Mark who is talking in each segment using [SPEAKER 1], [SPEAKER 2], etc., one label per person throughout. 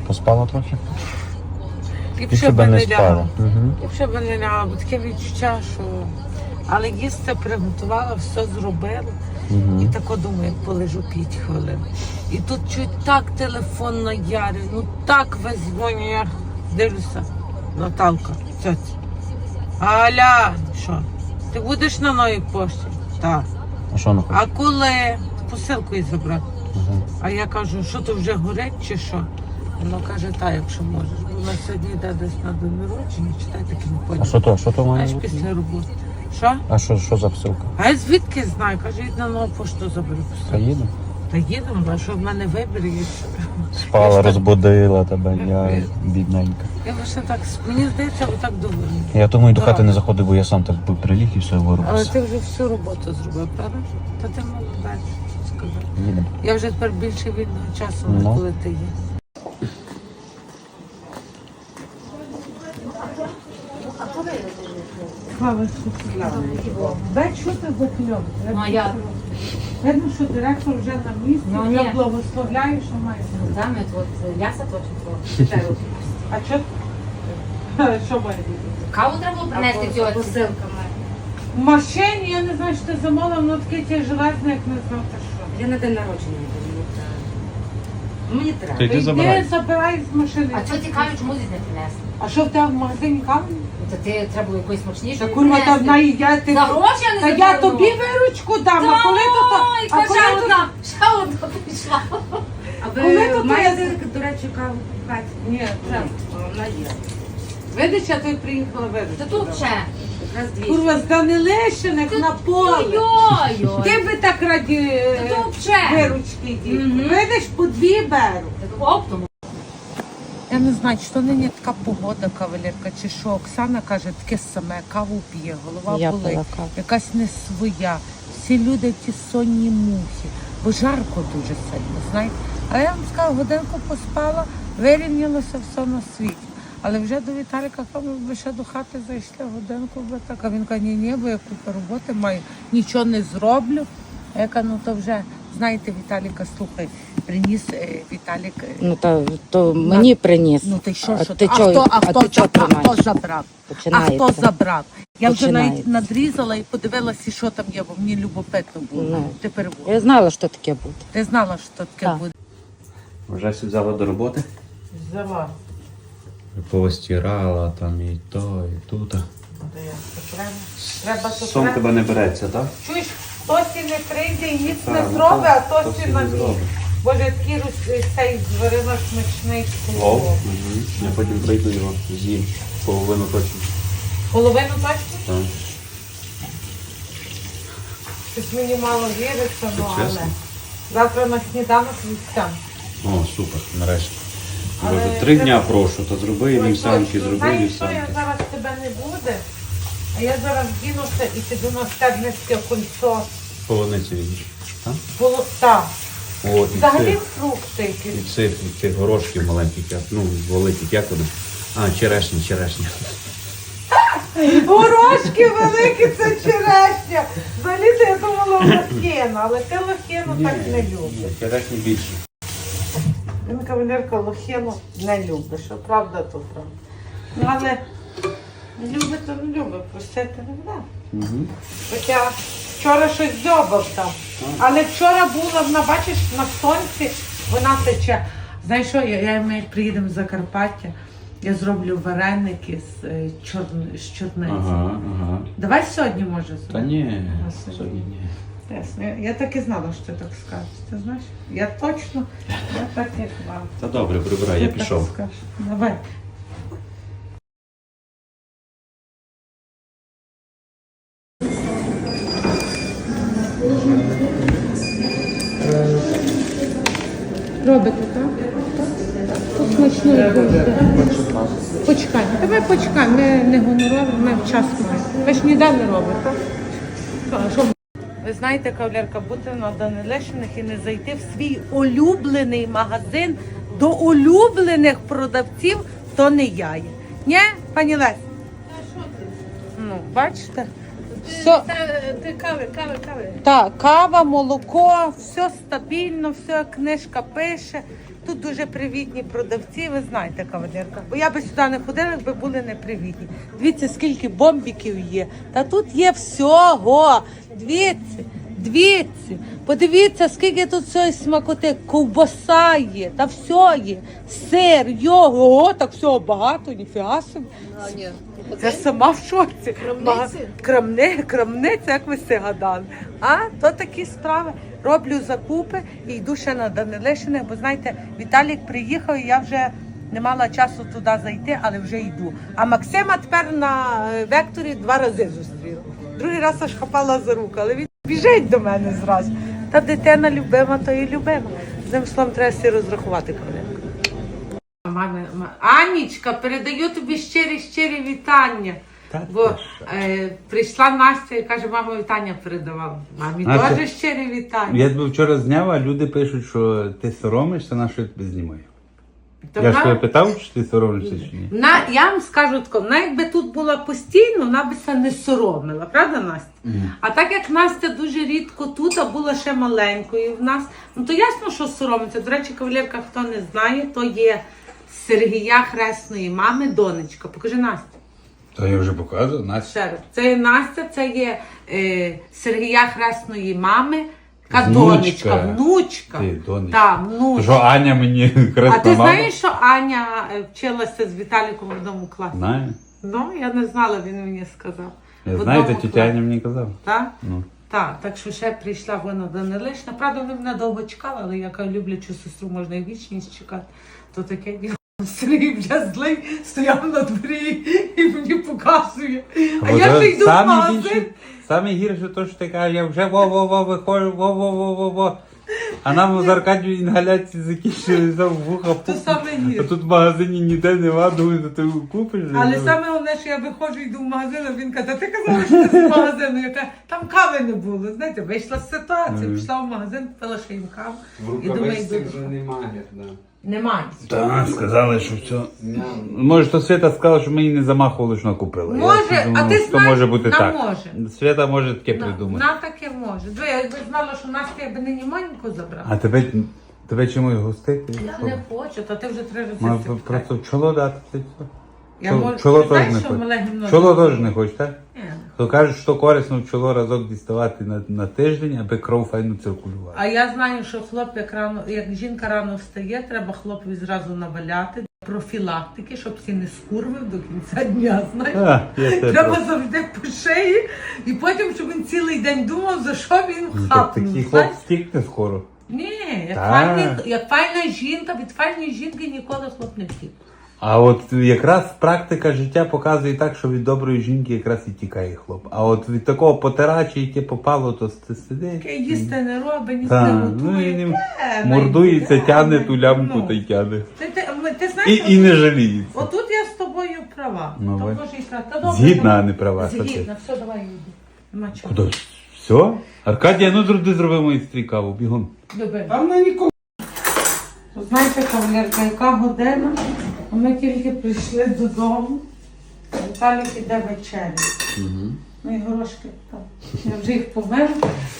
[SPEAKER 1] Поспала трохи?
[SPEAKER 2] Ліпше б не лягала.
[SPEAKER 1] Угу.
[SPEAKER 2] Ліпше б не лягала, бо таке відчуття, що... Але їсти приготувала, все зробила.
[SPEAKER 1] Угу.
[SPEAKER 2] І тако думаю, полежу 5 хвилин. І тут чуть так телефон наярив, ну так весь дзвоню, я дивлюся. Наталка, тьотя. Аля, що? Ти будеш на новій пошті? Так.
[SPEAKER 1] А що вона хоче?
[SPEAKER 2] А коли? Посилку їй забрати.
[SPEAKER 1] Угу.
[SPEAKER 2] А я кажу, що то вже горить чи що? Вона каже, так, якщо можеш. Бо вона сьогодні йде десь на день народження, читай, так і не
[SPEAKER 1] А
[SPEAKER 2] поняла.
[SPEAKER 1] що то має
[SPEAKER 2] Аж
[SPEAKER 1] бути?
[SPEAKER 2] після роботи. Що?
[SPEAKER 1] А що за посилка?
[SPEAKER 2] А я звідки знаю? Каже, йди на нову пошту заберу посилку.
[SPEAKER 1] Та їду?
[SPEAKER 2] Та їдемо, а що в мене вибір є.
[SPEAKER 1] Спала, розбудила тебе, я бідненька.
[SPEAKER 2] Я лише так, мені здається, отак доволі.
[SPEAKER 1] Я тому і до хати не заходив, бо я сам так приліг і все
[SPEAKER 2] Але
[SPEAKER 1] вирубався.
[SPEAKER 2] ти вже всю роботу зробив, правда? Та ти молодець, сказав.
[SPEAKER 1] Їдемо.
[SPEAKER 2] Я вже тепер більше вільного часу,
[SPEAKER 1] Ну.
[SPEAKER 2] коли ти є. Слава Дай що ти за кльов?
[SPEAKER 3] Ну, а я...
[SPEAKER 2] Видно, що директор вже на місці,
[SPEAKER 3] Ну,
[SPEAKER 2] вже
[SPEAKER 3] ні.
[SPEAKER 2] благословляю, що має.
[SPEAKER 3] Там вот ляса точно.
[SPEAKER 2] А що? Що має бути?
[SPEAKER 3] Каву треба було принести цього посилками.
[SPEAKER 2] В машині, я не знаю, що ти замовила, воно таке ті железне, як не знав, та що.
[SPEAKER 3] Я на день народження буду. Мені треба.
[SPEAKER 1] Ти йди
[SPEAKER 2] Йди,
[SPEAKER 1] забирай.
[SPEAKER 2] забирай з машини.
[SPEAKER 3] А що цікаво, чому здесь не принесли?
[SPEAKER 2] А що в тебе в магазині кави?
[SPEAKER 3] Та ти треба було якоїсь смачніше.
[SPEAKER 2] Та курва, та вона їдять.
[SPEAKER 3] За гроші я не
[SPEAKER 2] Та я
[SPEAKER 3] заберу.
[SPEAKER 2] тобі виручку дам, а коли то
[SPEAKER 3] Ой,
[SPEAKER 2] а коли
[SPEAKER 3] ще
[SPEAKER 2] то
[SPEAKER 3] одна, ще одна прийшла. А
[SPEAKER 2] Коли то
[SPEAKER 3] маєте, до речі, каву в хаті?
[SPEAKER 2] Ні,
[SPEAKER 3] Вже, вона є.
[SPEAKER 2] видиш, я тобі приїхала виручку.
[SPEAKER 3] Та тут ще. Якраз дві.
[SPEAKER 2] Курва, з Данилещиних на поле.
[SPEAKER 3] Ой-ой-ой.
[SPEAKER 2] Ти би так раді
[SPEAKER 3] Та тут ще.
[SPEAKER 2] виручки дів.
[SPEAKER 3] Мгм.
[SPEAKER 2] Видиш, по 2 беру.
[SPEAKER 3] Оптом.
[SPEAKER 2] Я не знаю, чи то нині така погода, кавалерка, чи що. Оксана каже, таке саме, каву п'є, голова
[SPEAKER 4] Я
[SPEAKER 2] болить,
[SPEAKER 4] пила каву.
[SPEAKER 2] якась не своя. Всі люди ті сонні мухи, бо жарко дуже сильно, знаєте. Але я вам скажу, годинку поспала, вирівнялося все на світі. Але вже до Віталіка кажу, ви ще до хати зайшли годинку, би так. А він каже, ні, бо я купу роботи маю, нічого не зроблю. А я кажу, ну то вже, знаєте, Віталіка, слухай, приніс Віталік.
[SPEAKER 4] Ну то мені приніс.
[SPEAKER 2] Ну ти що,
[SPEAKER 4] А
[SPEAKER 2] що
[SPEAKER 4] ти
[SPEAKER 2] а
[SPEAKER 4] чого-
[SPEAKER 2] хто, а
[SPEAKER 4] а
[SPEAKER 2] хто,
[SPEAKER 4] ти чого
[SPEAKER 2] а хто
[SPEAKER 4] тримаєш?
[SPEAKER 2] забрав? А
[SPEAKER 4] Починається.
[SPEAKER 2] хто забрав? Я вже навіть
[SPEAKER 4] Починається.
[SPEAKER 2] надрізала і подивилася, що там є, бо мені любопитно було.
[SPEAKER 4] Ну.
[SPEAKER 2] Тепер
[SPEAKER 4] Я знала, що таке буде.
[SPEAKER 2] ти знала, що таке
[SPEAKER 4] Так.
[SPEAKER 2] буде.
[SPEAKER 1] Вже все взяла до роботи?
[SPEAKER 2] Взяла.
[SPEAKER 1] Повстирала там і то, і тут.
[SPEAKER 2] Треба то
[SPEAKER 1] Сон тебе не береться, так?
[SPEAKER 2] Чуєш, Тосі не прийде і ніц не
[SPEAKER 1] Так,
[SPEAKER 2] зробить, а
[SPEAKER 1] так,
[SPEAKER 2] Тосі
[SPEAKER 1] Тосі
[SPEAKER 2] на
[SPEAKER 1] не
[SPEAKER 2] місці.
[SPEAKER 1] зробить.
[SPEAKER 2] Боже, такий цей зварила смачний
[SPEAKER 1] Лов.
[SPEAKER 2] плов.
[SPEAKER 1] Я потім прийду його з'їм. Половину точно.
[SPEAKER 2] Половину точно?
[SPEAKER 1] Так.
[SPEAKER 2] Щось мені мало віриться, ну але.
[SPEAKER 1] Чесно?
[SPEAKER 2] Завтра на сніданок вівсян.
[SPEAKER 1] О, супер, нарешті. Я
[SPEAKER 2] Але
[SPEAKER 1] вже 3
[SPEAKER 2] треба-
[SPEAKER 1] дня прошу, то зроби вівсянки, зроби
[SPEAKER 2] Знаєш, що я
[SPEAKER 1] вівсянки.
[SPEAKER 2] зараз тебе не буде, а я зараз дінуся і піду на Стебницьке кольцо.
[SPEAKER 1] Полуниці відніш. Так?
[SPEAKER 2] Так.
[SPEAKER 1] О, і
[SPEAKER 2] Взагалі
[SPEAKER 1] цих,
[SPEAKER 2] фрукти якісь.
[SPEAKER 1] і цих горошків маленьких, ну, великих, як вони? А, черешня.
[SPEAKER 2] Горошки великі, це черешня. Взагалі-то я думала лохина, але ти лохину так не любиш.
[SPEAKER 1] Черешні більше.
[SPEAKER 2] Він кавалерка лохину не любить, що правда, то правда. Ну, але любить, то не любить, просити не буде.
[SPEAKER 1] Угу.
[SPEAKER 2] Хоча вчора щось дзьобав там. Але вчора була, вона, бачиш, на сонці вона тече. Знаєш що, ми приїдемо з Закарпаття, я зроблю вареники з чорниці.
[SPEAKER 1] Ага.
[SPEAKER 2] Давай сьогодні, може,
[SPEAKER 1] Та
[SPEAKER 2] зробимо.
[SPEAKER 1] ні,
[SPEAKER 2] А
[SPEAKER 1] сьогодні ні.
[SPEAKER 2] Ясно. Я так і знала, що ти так скажеш. Ти знаєш? Я точно, я так і знала.
[SPEAKER 1] Та добре, прибирай, я
[SPEAKER 2] Ти так
[SPEAKER 1] пішов.
[SPEAKER 2] скажеш. Давай. Робите, так? Смачно буде. Почекай. Давай почекай. Ми не гонорові, ми вчасно. Ви ж ніде не робите, так? Ви знаєте, кавалерка, бути на Данилещиних і не зайти в свій улюблений магазин до улюблених продавців, то не я є. Ні, пані Лесь? Ну, бачите? Все.
[SPEAKER 3] Ти кави.
[SPEAKER 2] Так, кава, молоко, все стабільно, все, книжка пише. тут дуже привітні продавці, ви знаєте, кавалерка. Бо я би сюди не ходила, якби були непривітні. Дивіться, скільки бомбіків є. Та тут є всього. Дивіться. Подивіться, скільки тут всього смакоти. Ковбаса є, та все є. Сир, йогурт. Ого, так всього багато, ніфіга собі. Я сама в шоці. Крамниця, як ви все гадали. А, то такі справи. Роблю закупи і йду ще на Данилишиних, бо знаєте, Віталік приїхав і я вже не мала часу туди зайти, але вже йду. А Максима тепер на векторі 2 рази зустріла. Другий раз аж хапала за руку, але він біжить до мене зразу. Та дитина любима, то і любима. З ним словом треба всі розрахувати, коли. Анічка, передаю тобі щирі вітання. Бо прийшла Настя і каже, мама вітання передавала. Мамі теж щирі вітання.
[SPEAKER 5] Я тебе вчора зняв, а люди пишуть, що ти соромишся, на що я тебе знімаю. Я ж тебе питав, чи ти соромишся чи ні?
[SPEAKER 2] Я вам скажу тако, вона якби тут була постійно, вона би це не соромила, правда, Настя? А так як Настя дуже рідко тут, а була ще маленькою в нас, ну то ясно, що соромиться. До речі, кавалерка, хто не знає, то є Сергія хресної мами, донечка. Покажи Настя.
[SPEAKER 5] То я вже показував, Настя.
[SPEAKER 2] Ще раз. Це є Настя, це є Сергія хресної мами, така донечка, внучка.
[SPEAKER 5] Ти, донечка.
[SPEAKER 2] Так, внучка.
[SPEAKER 5] То що Аня мені хресна
[SPEAKER 2] А ти
[SPEAKER 5] мама?
[SPEAKER 2] знаєш, що Аня вчилася з Віталіком в одному класі?
[SPEAKER 5] Знаю.
[SPEAKER 2] Ну, я не знала, він мені сказав.
[SPEAKER 5] Я
[SPEAKER 2] В
[SPEAKER 5] знаю,
[SPEAKER 2] одному
[SPEAKER 5] та тітя
[SPEAKER 2] класі.
[SPEAKER 5] Аня мені казав.
[SPEAKER 2] Так?
[SPEAKER 5] Ну.
[SPEAKER 2] Так що ще прийшла вона Данилишна. Правда, вони мене довго чекали, але яка люблячу сестру можна і вічність чекати. То таке діло. Сергій вже злий, стояв на дворі і мені показує. А я вже йду в магазин.
[SPEAKER 5] Саме гірше то, що ти кажеш, я вже во-во-во виходжу, во-во-во-во-во. А нам з Аркадію інгаляції закінчилися в вуха.
[SPEAKER 2] То саме гірше.
[SPEAKER 5] А тут в магазині ніде нема, думаю, то ти купиш.
[SPEAKER 2] Але саме головне, що я виходжу, йду в магазин, а він каже, ти казала, що ти з магазину. Я кажу, там кави не було. Знаєте, вийшла з ситуації, пішла в магазин, купила ще їм каву. І думаю, йду.
[SPEAKER 1] вже немає, да.
[SPEAKER 2] Немає.
[SPEAKER 5] Так, сказали, що все. Може, то Свята сказала, що ми її не замахували, що вона купила.
[SPEAKER 2] Може,
[SPEAKER 5] Я думаю,
[SPEAKER 2] а ти
[SPEAKER 5] що
[SPEAKER 2] знаєш,
[SPEAKER 5] може бути
[SPEAKER 2] вона
[SPEAKER 5] так.
[SPEAKER 2] може.
[SPEAKER 5] Свята може таке придумати.
[SPEAKER 2] Вона таке може. Диви, я якби знала, що Настя, я би нині Моніку забрала.
[SPEAKER 5] А тебе чимось гостити?
[SPEAKER 2] Я не хочу, та ти вже 3 рази
[SPEAKER 5] Можна
[SPEAKER 2] це
[SPEAKER 5] просто чоло дати. Це все.
[SPEAKER 2] Я можу,
[SPEAKER 5] Чоло
[SPEAKER 2] ти
[SPEAKER 5] теж
[SPEAKER 2] знаєш,
[SPEAKER 5] не
[SPEAKER 2] що
[SPEAKER 5] хоче.
[SPEAKER 2] мале гімно.
[SPEAKER 5] Чоло теж не хоче, так?
[SPEAKER 2] Ні.
[SPEAKER 5] То кажуть, що корисно в чоло разок діставати на тиждень, аби кров файно циркулювала.
[SPEAKER 2] А я знаю, що хлоп, як жінка рано встає, треба хлопові зразу наваляти профілактики, щоб всі не скурвив до кінця дня, знаєш. Треба завжди по шиї, і потім, щоб він цілий день думав, за що він хапнув.
[SPEAKER 5] Такий хлоп
[SPEAKER 2] знаєш.
[SPEAKER 5] стікне скоро.
[SPEAKER 2] Ні,
[SPEAKER 5] Так.
[SPEAKER 2] як файна жінка, від файної жінки ніколи хлоп не втік.
[SPEAKER 5] А от якраз практика життя показує так, що від доброї жінки якраз і тікає хлоп. А от від такого потирача, яке попало, то ти сидиш.
[SPEAKER 2] Яке їсти не робить, ніс
[SPEAKER 5] Та,
[SPEAKER 2] не
[SPEAKER 5] ну і
[SPEAKER 2] готує.
[SPEAKER 5] не мордується, тягне ту лямку та й тягне.
[SPEAKER 2] Ти знаєш,
[SPEAKER 5] І не жаліється.
[SPEAKER 2] отут я з тобою права.
[SPEAKER 5] Ну,
[SPEAKER 2] То
[SPEAKER 5] бач.
[SPEAKER 2] може і права. Та добре,
[SPEAKER 5] Згідна,
[SPEAKER 2] давай.
[SPEAKER 5] а не права.
[SPEAKER 2] Згідна, все, давай йди. Нема чого.
[SPEAKER 5] Куди? Все? Аркадія, ну зроби мою стрікаву, бігом.
[SPEAKER 2] Люби.
[SPEAKER 1] Там на нікого.
[SPEAKER 2] Знаєте, кавалерка, яка година? А ми тільки прийшли додому. Віталік іде вечеря. Ну і горошки так. Я вже їх помила.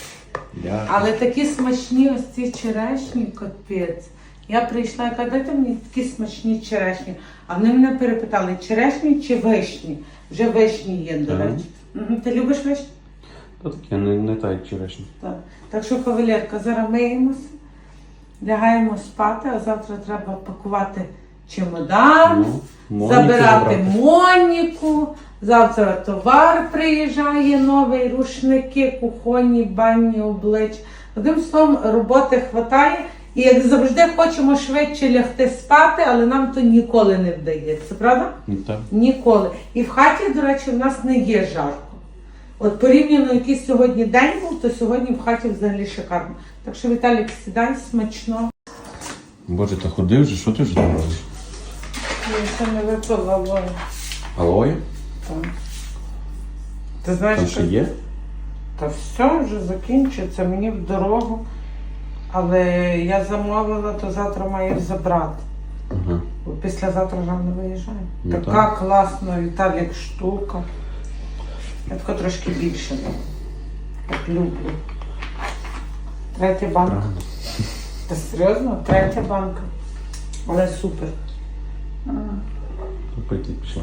[SPEAKER 2] Але такі смачні ось ці черешні, капець. Я прийшла і кажу, дайте мені такі смачні черешні. А вони мене перепитали, черешні чи вишні? Вже вишні є, до речі. Ти любиш вишні?
[SPEAKER 1] То таке, не так, як черешня.
[SPEAKER 2] Так що, кавалерка, зараз миємося, лягаємо спати, а завтра треба пакувати чемодан,
[SPEAKER 1] Моніку
[SPEAKER 2] забирати
[SPEAKER 1] забрати.
[SPEAKER 2] Моніку. Завтра товар приїжджає новий, рушники, кухонні, банні, обличчя. Одним словом, роботи хватає. І як завжди хочемо швидше лягти спати, але нам то ніколи не вдається, правда?
[SPEAKER 1] Так.
[SPEAKER 2] Ніколи. І в хаті, до речі, в нас не є жарко. От порівняно, який сьогодні день був, то сьогодні в хаті взагалі шикарно. Так що, Віталік, сідай, смачно.
[SPEAKER 1] Боже, та ходи вже, що ти вже там робиш?
[SPEAKER 2] Я ще не випила вою.
[SPEAKER 1] Алоє?
[SPEAKER 2] Ти знаєш,
[SPEAKER 1] Там ще є?
[SPEAKER 2] Та все, вже закінчується, мені в дорогу. Але я замовила, то завтра маю забрати.
[SPEAKER 1] Ага.
[SPEAKER 2] Бо післязавтра рано виїжджаю.
[SPEAKER 1] Ну,
[SPEAKER 2] Така
[SPEAKER 1] так.
[SPEAKER 2] класна, Віталік, штука. Я тако трошки більше дам. Так люблю. 3 банка. Та серйозно? 3 банка. Але супер.
[SPEAKER 1] Купити пішли.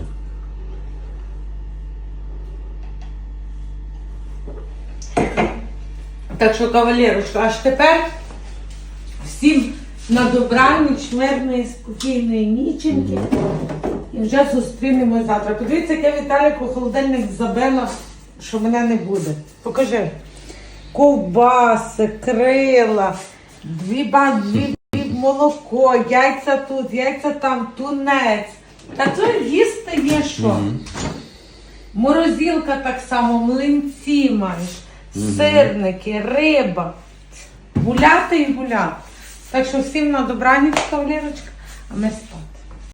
[SPEAKER 2] Так що, кавалерочка, аж тепер всім на добраніч, мирної, спокійної ніченьки. І вже зустрінемось завтра. Подивіться, як я Віталіку холодильник забила, що мене не буде. Покажи. Ковбаси, крила, дві молоко, яйця тут, яйця там, тунець. Та то їсти є що. Морозилка так само, млинці маєш, сирники, риба. Гуляти і гуляти. Так що всім на добраніч, кавалерочка, а ми спали.